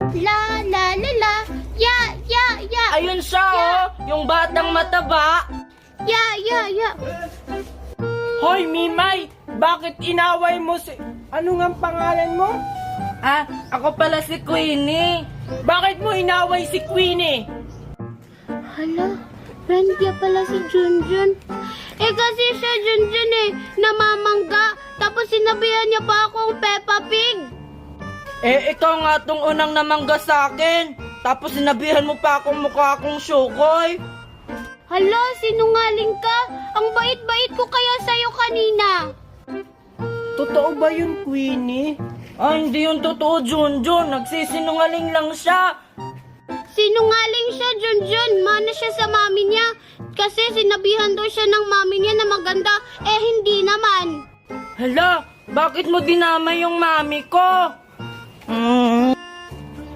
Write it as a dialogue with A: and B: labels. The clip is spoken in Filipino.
A: La la la la. Ya, ya, ya.
B: Ayun siya, yung batang mataba.
A: Ya, ya, ya.
C: Hoy, Mimay! Bakit inaway mo si... Ano nga ang pangalan mo?
B: Ako pala si Queenie.
C: Bakit mo inaway si Queenie?
A: Hala, friend niya pala si Junjun. Kasi siya Junjun namamangga. Tapos sinabihan niya pa akong Peppa Pig.
B: Ikaw nga tong unang namangga sa akin. Tapos sinabihan mo pa akong mukha akong Shukoy.
A: Hala, sinungaling ka. Ang bait-bait ko kaya sa'yo kanina.
C: Totoo ba yun, Queenie?
B: Hindi yung totoo, Junjun. Nagsisinungaling lang siya.
A: Sinungaling siya, Junjun. Mana siya sa mami niya. Kasi sinabihan daw siya ng mami niya na maganda. Hindi naman.
B: Hala, bakit mo dinamay yung mami ko?